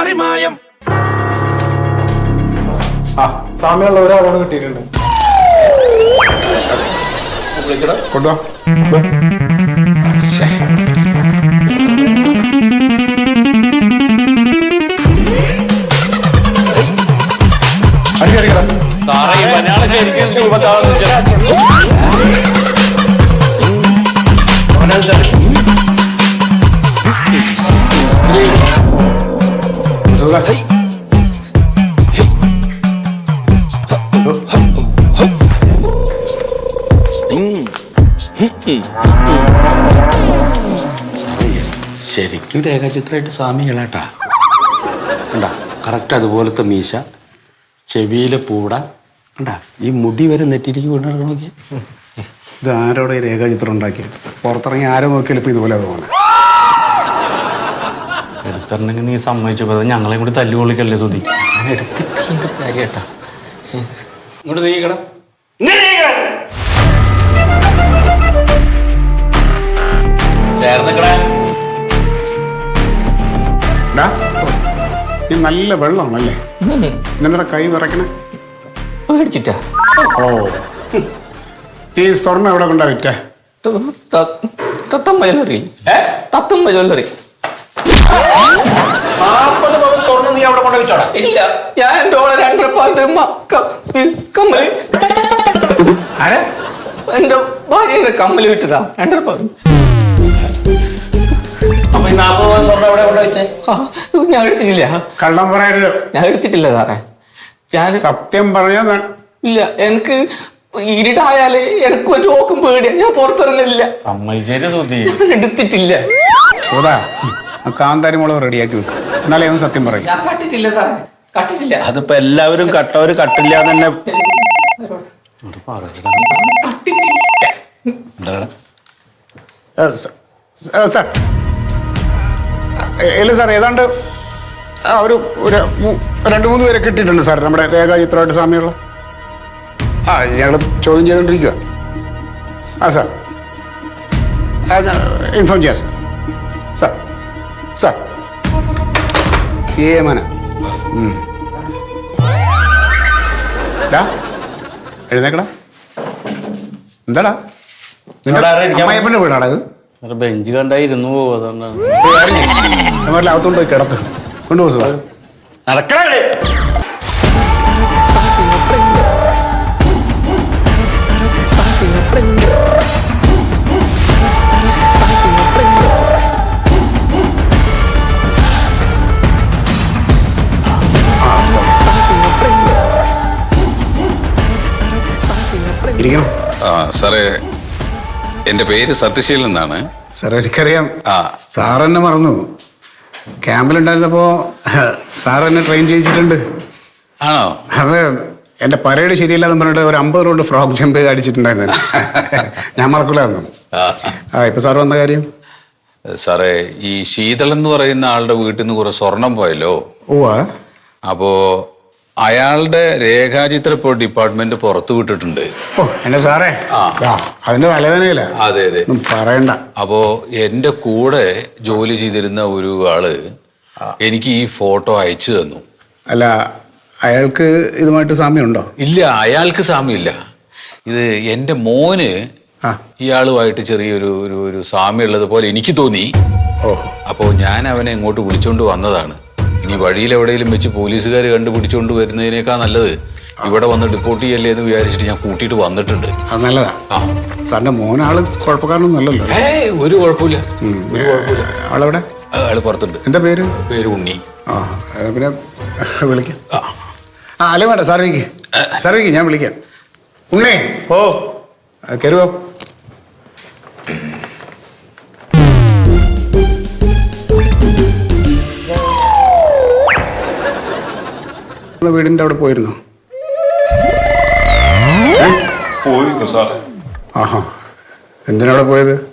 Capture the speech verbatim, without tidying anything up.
മറിമായം. ആ സാമ്യമുള്ള ഒരാളാണ് കിട്ടിയിട്ടുണ്ട്. കൊണ്ടുവാ. ശരിക്കും രേഖാചിത്രമായിട്ട് സ്വാമി ഇളാട്ടാ കണ്ടാ കറക്റ്റ് അതുപോലത്തെ മീശ, ചെവിയിലെ പൂട കണ്ടാ, ഈ മുടി വരെ നെറ്റിലേക്ക് വീണ് നോക്കി. ഇത് ആരോടെ രേഖാചിത്രം ഉണ്ടാക്കിയത്? പുറത്തിറങ്ങി ആരോ നോക്കിയാലും ഇപ്പം ഇതുപോലെ തോന്നുന്നത്. എടുത്തിട്ടുണ്ടെങ്കിൽ നീ സമ്മതിച്ചപ്പോൾ അത് ഞങ്ങളെയും കൂടി തല്ലുകൊള്ളിക്കല്ലേ സുധി. ഞാൻ എടുത്തിട്ടില്ല കാര്യട്ടാ. ഇങ്ങോട്ട് നീക്കണം. ഈ നല്ല വെള്ളമാണല്ലേ? ഇന്നെന്താ കൈ വിറക്കണേ? പേടിച്ചിട്ടാ. ഓ, ഈ സ്വർണ്ണം എവിടെ കൊണ്ടാ വിറ്റേ? തത്തമ്മ ജ്വല്ലറി. തത്തമ്മ ജ്വല്ലറി. സ്വർണ്ണം നീ അവിടെ കൊണ്ട് വെച്ചോടാ? ഇല്ല, ഞാൻ എന്റെ ഓളെ രണ്ടര പാട്ട് കമ്മല് ആരെ? എന്റെ ഭാര്യ കമ്മല് വിട്ടതാ രണ്ടര പാട്ട്. അപ്പൊ ഈ നാപ്പത് പവൻ സ്വർണ്ണം എവിടെ കൊണ്ട് വെച്ചേ? ഞാൻ എടുത്തിട്ടില്ല. കള്ളം പറയരുത്. ഞാൻ എടുത്തിട്ടില്ല സാറേ. ഞാൻ സത്യം പറഞ്ഞാ ഇല്ല. എനിക്ക് ഇരുട്ടായാല് എനിക്ക് ഒരു നോക്കും പേടിയാ. ഞാൻ പുറത്തിറങ്ങില്ല. എടുത്തിട്ടില്ല. കാന്താരി മുളക് റെഡിയാക്കി വെക്കും, എന്നാലേ അവൻ സത്യം പറയും. ഞാൻ കട്ടിട്ടില്ല സാറേ, കട്ടിട്ടില്ല. അതിപ്പോ എല്ലാവരും കട്ടവര് കട്ടില്ല തന്നെ. സാർ ഇല്ല സാർ, ഏതാണ്ട് ഒരു ഒരു രണ്ട് മൂന്ന് പേരെ കിട്ടിയിട്ടുണ്ട് സാർ, നമ്മുടെ രേഖാചിത്രമായിട്ട് സാമ്യമുള്ള. ആ ഞങ്ങൾ ചോദ്യം ചെയ്തുകൊണ്ടിരിക്കുക. ആ സാർ ഇൻഫോം ചെയ്യാം സാർ. സാർ സാർ ഏമന എഴുന്നേക്കടാ. എന്താടാ അമ്മയപ്പൻ്റെ വീടാടാ ഇത്? ബെഞ്ച് കണ്ടായിരുന്നു അതുകൊണ്ടാണ്. അകത്തോണ്ട് പോയി കിടത്ത് കൊണ്ടുപോകും സാർ. നടക്കണേ. ഇരിക്കണം. ആ സാറേ, എൻ്റെ പേര് സത്യശീലൻ എന്നാണ്. സാറേ എനിക്കറിയാം. ആ സാർ എന്നെ മറന്നു. ക്യാമ്പിലുണ്ടായിരുന്നപ്പോൾ സാർ എന്നെ ട്രെയിൻ ചെയ്യിച്ചിട്ടുണ്ട്. ആണോ? അത് എൻ്റെ പരേഡ് ശരിയല്ലാന്ന് പറഞ്ഞിട്ട് ഒരു അമ്പത് റൗണ്ട് ഫ്രോക്ക് ജമ്പ് ചെയ്ത് അടിച്ചിട്ടുണ്ടായിരുന്നു. ഞാൻ മറക്കില്ലായിരുന്നു. ആ ഇപ്പൊ സാർ വന്ന കാര്യം? സാറേ, ഈ ശീതളൻ എന്ന് പറയുന്ന ആളുടെ വീട്ടിൽ നിന്ന് കുറെ സ്വർണം പോയല്ലോ. ഓ, അപ്പോ അയാളുടെ രേഖാചിത്ര ഇപ്പോൾ ഡിപ്പാർട്ട്മെന്റ് പുറത്തു വിട്ടിട്ടുണ്ട്. ഓ എന്നെ സാറേ, അതിന്റെ തലവേദനയില്ല. അതെ അതെ, പറയണ്ട. അപ്പോ എന്റെ കൂടെ ജോലി ചെയ്തിരുന്ന ഒരു ആള് എനിക്ക് ഈ ഫോട്ടോ അയച്ചു തന്നു. അല്ല, അയാൾക്ക് ഇതുമായിട്ട് സാമ്യമുണ്ടോ? ഇല്ല, അയാൾക്ക് സാമ്യമില്ല. ഇത് എൻ്റെ മോന് ഇയാളുമായിട്ട് ചെറിയൊരു ഒരു ഒരു സാമ്യമുള്ളത് പോലെ എനിക്ക് തോന്നി. ഓ, അപ്പോൾ ഞാൻ അവനെ ഇങ്ങോട്ട് വിളിച്ചോണ്ട് വന്നതാണ്. ഇനി വഴിയിൽ എവിടെയെങ്കിലും വെച്ച് പോലീസുകാർ കണ്ടുപിടിച്ചോണ്ട് വരുന്നതിനേക്കാൾ നല്ലത് ഇവിടെ വന്ന് റിപ്പോർട്ട് ചെയ്യല്ലേ എന്ന് വിചാരിച്ചിട്ട് ഞാൻ കൂട്ടിയിട്ട് വന്നിട്ടുണ്ട്. അത് നല്ലതാ. ആ സാറിന്റെ മോനാള് കുഴപ്പക്കാരനൊന്നും അല്ലല്ലോ? ഏയ് ഒരു കുഴപ്പമില്ല, ഒരു കുഴപ്പമില്ല. ആളെവിടെ? ആള് പുറത്തുണ്ട്. എന്താ പേര്? പേര് ഉണ്ണി. ആ പിന്നെ വിളിക്കാം. ആ അല്ലേ വേണ്ട, സാർ വിളിക്ക്, സാർ വിളിക്ക്, ഞാൻ വിളിക്കാം. ഉണ്ണേ. ഓ കയറുവോ? വീടിന്റെ അവിടെ പോയിരുന്നു? പോയിരുന്നു സാറേ. ആഹാ, എന്തിനവിടെ പോയത്?